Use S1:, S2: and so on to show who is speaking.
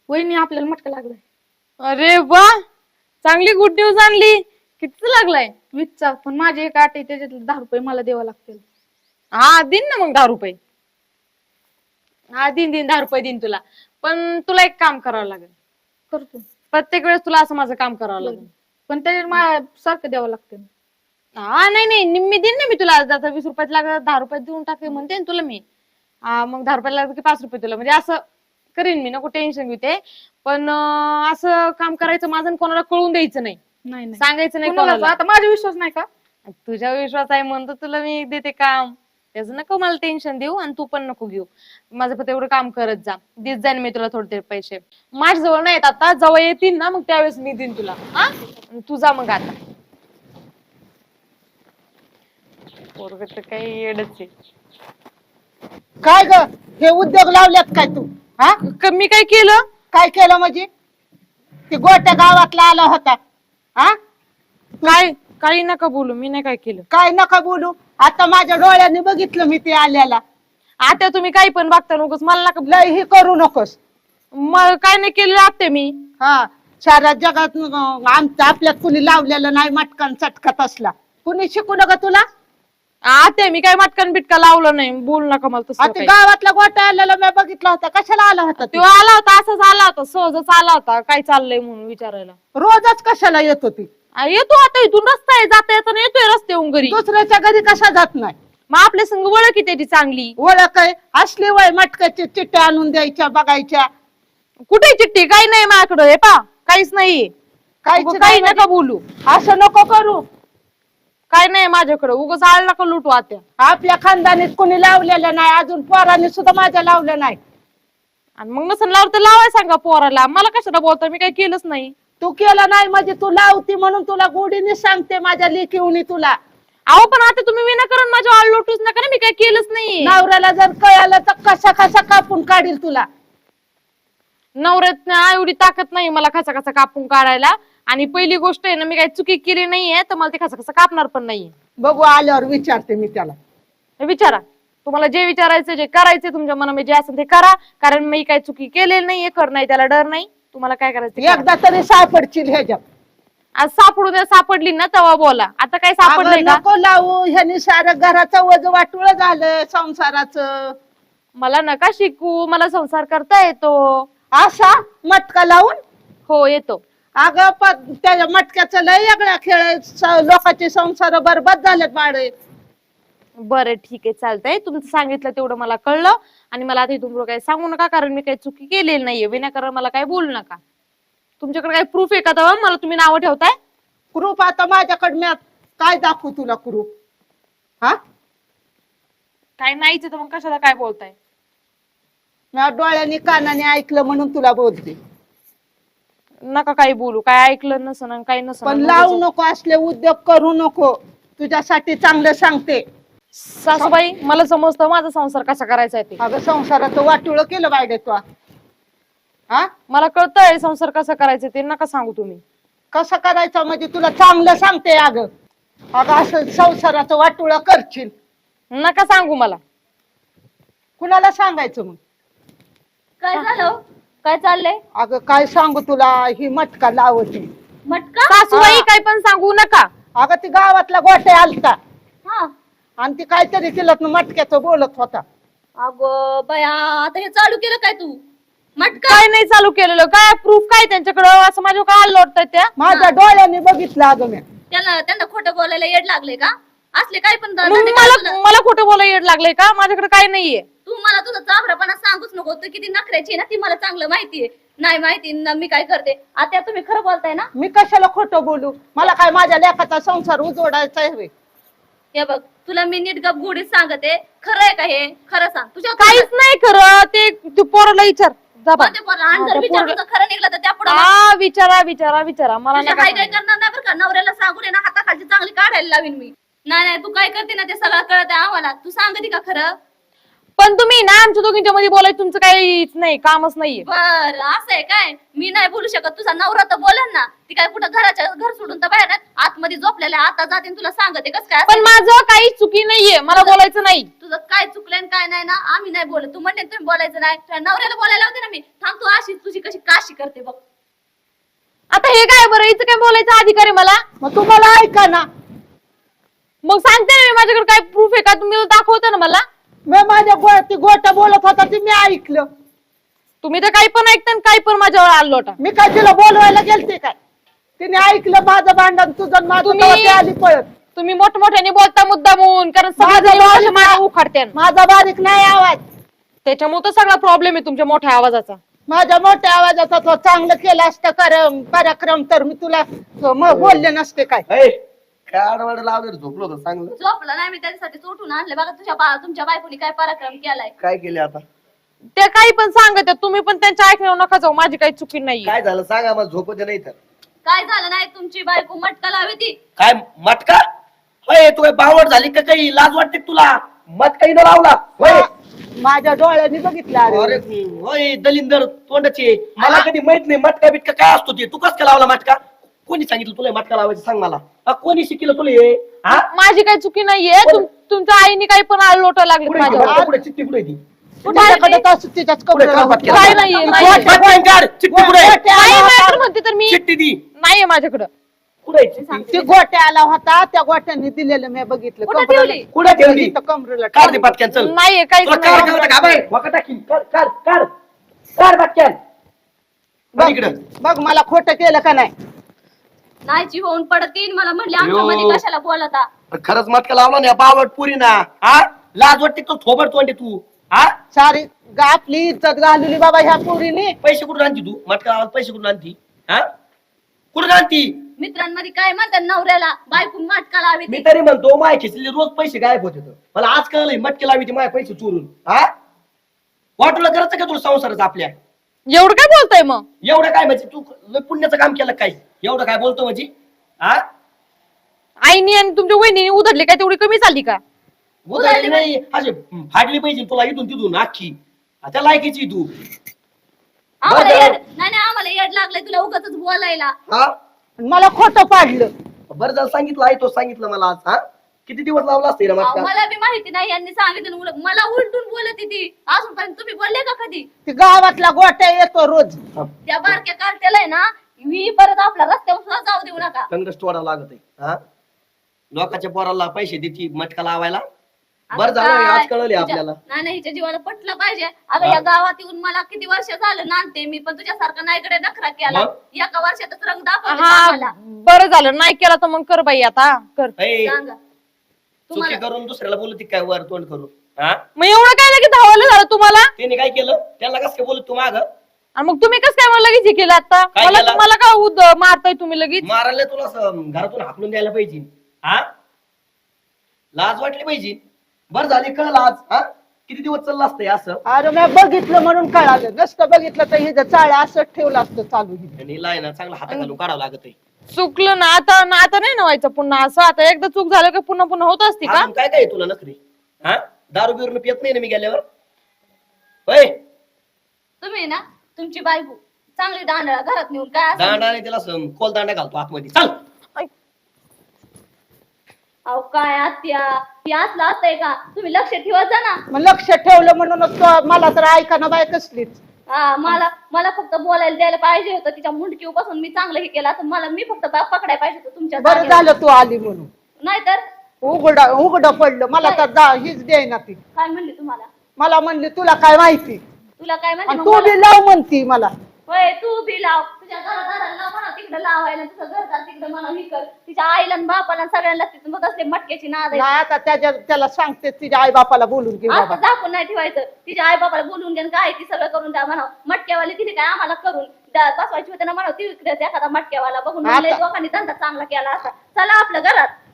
S1: वहिनी आपल्याला मटका लागलाय.
S2: अरे वा, चांगली गुड न्यूज आणली. किती लागलाय?
S1: 20चा. पण माझे एक आठ आहे त्याच्यातले 10 रुपये मला द्यावं लागतील.
S2: हा दिन ना मग 10 रुपये. हा दिन 10 रुपये दिन तुला. पण तुला एक काम करावं लागेल.
S1: करतो.
S2: प्रत्येक वेळेस तुला असं माझं काम करावं लागेल.
S1: पण त्याच्यात मला सारखं द्यावं लागतं.
S2: हा नाही निम्मी दिन ना मी तुला. आता 20 रुपयात लागत 10 रुपयात देऊन टाके म्हणते ना तुला मी. मग 10 रुपयाला लागत की 5 रुपये तुला. म्हणजे असं करीन मी, नको टेन्शन घेते. पण असं काम करायचं माझं कोणाला कळून द्यायचं नाही.
S1: नाही
S2: सांगायचं नाही
S1: कोणाला.
S2: कोणाला.
S1: आता माझा विश्वास नाही का?
S2: तुझ्या विश्वास आहे म्हणतो तुला मी देते काम. त्याचं नको मला टेन्शन देऊ आणि तू पण नको घेऊ. माझं फक्त एवढं काम करत जा. देत जाईन मी तुला थोडे पैसे. माझ्या जवळ नाहीत आता, जवळ येतील ना मग त्यावेळेस मी देईन तुला. हा तू जा मग आता. पोरग तर काही येडच आहे.
S3: काय ग हे उद्योग लावल्यात काय तू? हा
S2: मी काय केलं?
S3: काय केलं म्हणजे? ते गोट्या गावातला आला होता. हा
S2: काय काही नका बोलू, मी नाही काय केलं.
S3: काय नका बोलू. आता माझ्या डोळ्यांनी बघितलं मी ते आल्याला.
S2: आता तुम्ही काही पण बघता नकोस मला नका.
S3: लय हे करू नकोस.
S2: काय नाही केलं आत्या मी.
S3: हा साऱ्या जगात आमच्या आपल्यात कुणी लावलेलं नाही मटकन चटकत असला. कुणी शिकू नका तुला.
S2: आत्या मी काय मटकन बिटका लावलं नाही. बोल नका मला तसं
S3: आता
S2: काही.
S3: गावातला गोटा आलेला मी बघितला होता. कशाला आला होता
S2: तो
S3: तो?
S2: आला होता, असंच आला होता, सहजच आला होता. काय चाललंय म्हणून विचारायला.
S3: रोजच कशाला येत होती?
S2: येतो आता, इथून रस्ता आहे, जाता येताना येतोय रस्त्याहून घरी.
S3: दुसऱ्याच्या घरी कशा जात नाही?
S2: मग आपल्या संग ओळख आहे त्याची चांगली.
S3: ओळख आहे असली वय मटकाची चिट्ट्या आणून द्यायच्या बघायच्या.
S2: कुठे चिठ्ठी? काही नाही माझ्याकडे. हे पा काहीच नाहीये.
S3: काहीच
S2: काही
S3: नाही
S2: नका बोलू.
S3: असं नको करू.
S2: काय नाही माझ्याकडे. उगाच आळ नका लुटू आत्या.
S3: आपल्या खानदानीत कोणी लावलेलं नाही. अजून पोरांनी सुद्धा माझ्या लावलं नाही.
S2: आणि मग नसन लावलं तर लावाय सांगा पोराला. मला कशाला बोलता? मी काही केलंच नाही.
S3: तू केलं नाही म्हणजे तू लावती म्हणून तुला गोडीने सांगते माझ्या लेकीवणी तुला.
S2: अहो पण आता तुम्ही विनाकारण माझ्या आळ लुटूच नका ना. मी काही केलंच नाही.
S3: नवऱ्याला जर कळालं तर कसा कसा कापून काढील तुला.
S2: नवऱ्यात एवढी ताकद नाही मला कसा कसा कापून काढायला. आणि पहिली गोष्ट आहे ना, मी काही चुकी केली नाहीये तर मला ते कसा कसा कापणार पण नाहीये.
S3: बघू आल्यावर विचारते मी त्याला.
S2: विचारा. तुम्हाला जे विचारायचं जे करायचं तुमच्या मनामध्ये जे असेल ते करा. कारण मी काही चुकी केलेली नाहीये. कर नाही त्याला डर नाही. तुम्हाला काय करायचं
S3: एकदा तरी सापडशील ह्याच्यात.
S2: आज सापडू द्या. सापडली ना तेव्हा बोला. आता काय सापडलंय का?
S3: नको लावू. ह्यानी सारं घराचं वज वाटुळ झालं संसाराचं.
S2: मला नका शिकू. मला संसार करता येतो.
S3: असा मटका लावून.
S2: हो येतो.
S3: अगं त्या मटक्याचं लय वेगळा खेळ आहे. लोकांचे संसार बरबाद झालेत बाळे.
S2: बरं ठीक आहे चालतंय. तुमचं सांगितलं तेवढं मला कळलं. आणि मला आता इथून पुढं काही सांगू नका. कारण मी काही चुकी केलेली नाहीये. विनाकारण मला काही बोलू नका. तुमच्याकडे काही प्रूफ आहे का तेव्हा मला तुम्ही नावं ठेवताय?
S3: कुरूप आता माझ्याकडे मी काय दाखवू तुला कुरूप? हा
S2: काय नाहीच तर मग कशाला काय बोलताय?
S3: मी डोळ्यांनी कानाने ऐकलं म्हणून तुला बोलते.
S2: नका काही बोलू. काय ऐकलं नसन आणि काही नसन.
S3: पण लावू नको. असले उद्योग करू नको. तुझ्यासाठी चांगलं सांगते.
S2: सासूबाई मला समजतं माझा संसार कसा करायचा आहे ते.
S3: अगं संसाराचं वाटुळ केलं बायडे तू. हा
S2: मला कळतंय संसार कसा करायचा ते. नका सांगू तुम्ही.
S3: कसं करायचं म्हणजे तुला चांगलं सांगते. अगं असं संसाराचं वाटुळ करशील.
S2: नका सांगू मला.
S3: कुणाला सांगायचं मग?
S4: काय झालं? काय चाललंय?
S3: अगं काय सांगू तुला. ही मटका लावती.
S4: मटका?
S2: सासूबाई काय पण सांगू नका.
S3: अगं ती गावातला गोटे आलता
S4: हा.
S3: आणि ती काहीतरी तिला मटक्याचं बोलत होता.
S4: अगं बया, आता हे चालू केलं काय तू? मटका?
S2: काय नाही चालू केलेलं. काय प्रूफ काय त्यांच्याकडं? असं माझ्या काय लोटतात त्या.
S3: माझ्या डोळ्याने बघितलं अगं मी.
S4: त्यांना खोटं बोलायला येड लागले का? असले काय पण
S2: मग
S4: धंदे काय तुला?
S2: मला खोटं बोलायला येड लागलंय का? माझ्याकडे काय नाहीये.
S4: तू मला तुझं चाभरापणा सांगूच नको. तू किती नखऱ्याची आहे ना ती मला चांगलं माहितीये. नाही माहिती ना मी काय करते. आता तुम्ही खरं बोलताय ना?
S3: मी कशाला खोटं बोलू? मला काय माझ्या लेकाचा संसार उजवडायचा आहे?
S4: हे बघ तुला मी नीट गप गुढीत सांगते. खरं आहे का हे? खरं सांग. तुझ्या
S2: काहीच नाही खरं. ते तू पोराला विचार. जा बा.
S4: जर विचारून जर खरं निघलं तर त्या पुढे
S2: हा विचारा मला नका
S4: काय काय
S2: सांगू.
S4: करणार नाही बरं का. नवऱ्याला सांगून आहे ना हाताखालची चांगली काढायला लावीन मी. नाही तू काय करते ना ते सगळं कळत आहे आम्हाला. तू सांगते का खरं?
S2: पण तुम्ही ना आमच्या दोघींच्या मध्ये बोलायचं तुमचं काहीच नाही. कामच नाहीये.
S4: बर असं आहे काय? मी नाही बोलू शकत. तुझा नवरा तर बोलेल ना. ती काय कुठं घर सोडून तर बाहेर आतमध्ये झोपलेल्या. आता जाते तुला सांगते कस काय.
S2: पण माझं काही चुकी नाहीये. मला बोलायचं नाही.
S4: तुझं काय चुकलंय काय नाही ना आम्ही नाही बोलत. तू म्हणते तुम्ही बोलायचं नाही. तुझ्या नवऱ्याला बोलायला होते ना मी. थांब तू अशी तुझी कशी काशी करते बघ.
S2: आता हे काय बरं, हिचं काय बोलायचं अधिकार आहे मला?
S3: मग तुम्हाला ऐका ना,
S2: मग सांगते ना मी, माझ्याकडे काय प्रूफ आहे का? तुम्ही दाखवता ना मला.
S3: मी माझ्या ती गोटा बोलत होता ते मी ऐकलं.
S2: तुम्ही तर काही पण ऐकता आणि काही पण माझ्यावर आलो होता.
S3: मी काय तिला बोलवायला गेलते काय? तिने ऐकलं माझं भांडण तुझं आणि माझं, तेव्हा ती आली पळत.
S2: तुम्ही मोठमोठ्याने बोलता मुद्दामून, कारण
S3: माझा बारीक
S2: मला उखाडते.
S3: माझा बारीक नाही आवाज,
S2: त्याच्यामुळे तर सगळा प्रॉब्लेम आहे तुमच्या मोठ्या आवाजाचा.
S3: माझ्या मोठ्या आवाजाचा तो चांगलं केलं असतं पराक्रम तर मी तुला बोलले नसते काय.
S5: काय आडवाड लावलं झोपलो होतं चांगलं.
S4: झोपला नाही मी त्याच्यासाठी उठून आणले बघा. तुमच्या बायकोनी काय पराक्रम केलाय.
S5: काय केले आता?
S2: ते काही पण सांगत तुम्ही, पण त्यांच्या ऐकण्यावर नका जाऊ. माझी काही चुकी नाही.
S5: काय झालं सांगा मला, झोपू दे नाही तर.
S4: काय झालं नाही, तुमची बायको मटका लावी ती.
S5: काय मटका? होय तू काय बावड झाली का? काही लाज वाटते का तुला? मटका न लावला होय?
S3: माझ्या डोळ्यांनी बघितलं.
S5: अरे होय दलिंदर तोंडाची, मला कधी माहित नाही मटका बिटका काय असतो ते. तू कस काय लावला मटका? कोणी सांगितलं तुला मटका लावायचं सांग मला. कोणी शिकलं तुला हे?
S2: माझी काही चुकी नाहीये. तुमच्या आईने काही पण लोट लागले माझ्यावर.
S5: कुठे चिठ्ठी कुठे ती?
S3: माझ्याकडे तर तिच्याच कपड्याला
S5: काय
S2: काय नाहीये, नाहीये.
S5: चिठ्ठी कुठे?
S2: नाही, मॅटर म्हणते तर मी.
S5: चिठ्ठी दी
S2: नाहीये माझ्याकडं.
S5: कुठे चिठ्ठी?
S3: ती गोट्या आला होता, त्या गोट्याने दिलेलं मी बघितलं.
S4: कुठं
S3: कमरेला-
S4: ठेवली?
S5: कुठे ठेवली?
S3: इथं कमरेला
S5: काढ दे पटक्यान चल.
S2: नाहीये काहीच
S5: तुला कार
S2: नाही.
S5: करता का बाई? वाका टाकीन. कार पटक्यान. बघ इकडं.
S3: बघ मला खोटं केलं का नाही.
S4: नाहीची होऊन पडतील मला म्हणले आमच्या मध्ये कशाला बोलता.
S5: खरंच मटका लावला ना बावट पुरी ना. हा लाज वाटते तो थोबड तोंडे तू. हा
S3: सारी आपली इज्जत घालवली बाबा ह्या पोरीने.
S5: पैसे कुठून आणती तू? मटका लावायला पैसे कुठून आणती? हा कुठून आणती?
S4: मित्रांमध्ये काय म्हणतात नवऱ्याला बायको मटका लावी
S5: मी
S4: ती.
S5: तरी म्हणतो माय खिचले रोज पैसे गायब होते तर. मला आज कळलंय मटके लावी ती माय पैसे चोरून. हा वाटूला करायचं का तुला संसाराचं आपल्या?
S2: एवढं काय बोलताय मग?
S5: एवढं काय म्हणजे तू लय पुण्याचं काम केलं काय? एवढं काय बोलतो म्हणजे? हा
S2: आईनी आणि तुमच्या वहिनी उधरली काय तेवढी कमी झाली का?
S5: उधारी नाही असे फाडली पाहिजे तुला इथून तिथून अख्खी. त्या लायकीची तू.
S4: आम्हाला
S5: बरं.
S4: येड नाही नाही आम्हाला येड लागलंय तुला उगाच बोलायला.
S5: हा
S3: मला खोटं पाडलं.
S5: बरं झालं सांगितलं आहे तो सांगितलं मला आज. हा किती दिवस लावला असते ना
S4: अहो,
S5: मटका?
S4: मला बी माहिती नाही यांनी सांगितलं मला उलटून बोलत ती. अजूनपर्यंत तुम्ही बोलले का कधी?
S3: ती गावातला गोट्या येतो रोज.
S4: त्या बारक्या कार्ट्याला आहे ना मी परत आपला रस्त्यावर सुद्धा जाऊ देऊ नका.
S5: कंगरच तोडावं लागत आहे. हा लोकांच्या पोराला पैसे देती मटका लावायला. बरं झालं
S4: काय?
S5: आज कळले
S4: हिच्या-
S5: आपल्याला.
S4: नाही नाही हिच्या जीवाला पटलं पाहिजे. अगं या गावात येऊन मला किती वर्ष झालं नांदते मी, पण तुझ्यासारखा नाहीकडे नखरा केला.
S5: मग?
S4: एका वर्षातच रंग दाखवते
S2: हा
S4: आम्हाला.
S2: बरं झालं, नाही केला तर मग कर बाई आता कर.
S5: ए,
S4: सांगा
S5: चुकी
S4: तुम्हाला
S5: करून दुसऱ्याला बोलती काय वर तोंड करून? हा
S2: मग एवढं काय लगेच धावायला झालं तुम्हाला?
S5: त्याने काय केलं? त्याला कसं काय बोलत तू माग?
S2: आणि मग तुम्ही कसं काय मला लगेच हे केलं आता?
S5: काय
S2: मला
S5: केलं?
S2: मला का मारताय तुम्ही लगेच?
S5: मारायला तुला असं घरातून हाकलून द्यायला पाहिजे. हा लाज वाटली पाहिजे. बरं झाले कळलं आज. हा किती दिवस चाललं असतंय असं?
S3: अरे मी बघितलं म्हणून कळालं. नसतं बघितलं तर हिचं चाळ असं ठेवलं असतं चालू हिने.
S5: आणि लाय ना चांगला हाता घालून काढावं लागत आहे.
S2: चुकलं ना आता नाही नवायचं पुन्हा असं. आता एकदा चूक झालं की पुन्हा पुन्हा होत असते का?
S5: अजून काय काय आहे तुला नखरी? हा दारू बिरून पियत नाही ना मी गेल्यावर? होय
S4: तुम्ही ना तुमची बायको चांगली दांडळा घरात नेऊन काय असं
S5: दांडाने तिला कोल दांडा घालतो आतमध्ये. चल
S4: अहो काय आत्या ती असलं असतंय का? तुम्ही लक्ष ठेवत जा ना.
S3: मग लक्ष ठेवलं म्हणूनच मला तर ऐकाना बाय कसलीच.
S4: हा मला फक्त बोलायला द्यायला पाहिजे होतं. तिच्या मुंडकीपासून मी चांगलं हे केलं असं. मी फक्त पकडायला पाहिजे होतं तुमच्या
S3: बरं
S4: जागेवर.
S3: झालं तू आली म्हणून.
S4: नाहीतर
S3: उघड पडलं. मला तर हीच द्यायना ती.
S4: काय म्हणली तुम्हाला?
S3: मला म्हणली तुला काय माहिती.
S4: तुला काय
S3: आणि
S4: म्हणली?
S3: तू बी लाव म्हणती मला.
S4: होय तू बी लाव. तुझ्या घरादाराला लाव म्हणा तिकडे लावायला. तुझं घरदार तिकडे म्हणा ही कर. तिच्या आईला आणि बापाला आणि सगळ्यांना लागते. मग असले मटक्याची नाद आहे.
S3: नाही आता त्याला सांगते तिच्या आई बापाला बोलून घे
S4: आता
S3: बाबा.
S4: दाखवून नाही ठेवायचं. तिच्या आई बाबाला बोलून घ्या काय ती सगळं करून द्या म्हणा. मटक्यावाली तिने काय आम्हाला करून बसवायची होते ना म्हणा. ती एखादा मटक्यावाला बघून म्हणले
S3: आता-
S4: दोघांनी धंदा चांगला केला असा. चला आपल्या घरात.